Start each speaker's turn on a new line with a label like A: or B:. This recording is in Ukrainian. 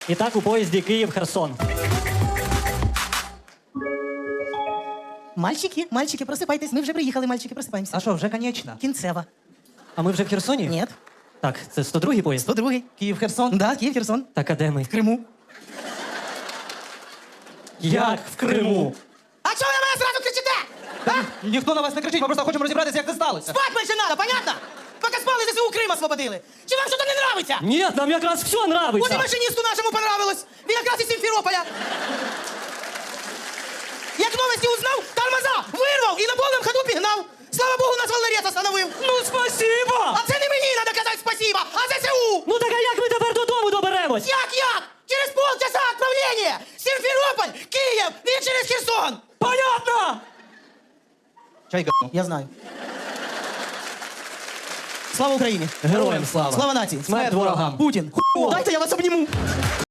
A: І так у поїзді Київ-Херсон.
B: Мальчики, просипайтесь. Ми вже приїхали, мальчики, просипаємося.
C: А що, вже конечно?
B: Кінцева.
A: А ми вже в Херсоні?
B: Ні.
A: Так, це 102-й поїзд?
B: 102-й.
C: Київ-Херсон?
B: Да, Київ, Херсон.
A: Так, а де ми?
B: В Криму.
A: Як в Криму?
B: А чого ви на мене зразу кричите? А?
C: Ніхто на вас не кричить, ми просто хочемо розібратися, як це сталося.
B: Спать менше надо, понятно? Поки спали, ЗСУ Крим освободили. Чи вам щось не нравиться?
A: Ні, нам якраз все
B: От і
A: нравиться.
B: машиністу нашому понравилось. Він якраз із Сімферополя. Як новості узнав, тормоза вирвав і на повному ходу пігнав. Слава Богу, нас волнорез остановив.
A: Ну, спасибо!
B: А це не мені треба казати спасибо, а ЗСУ.
A: Ну так а як ми тепер додому доберемось?
B: Як? Через полчаса отправлення. Сімферополь, Київ, він через Херсон.
A: Понятно!
C: Чай г***.
B: Я знаю. Слава Україні!
A: Героям слава!
B: Слава нації!
A: Смерть ворогам!
B: Путін! Дайте я вас обніму!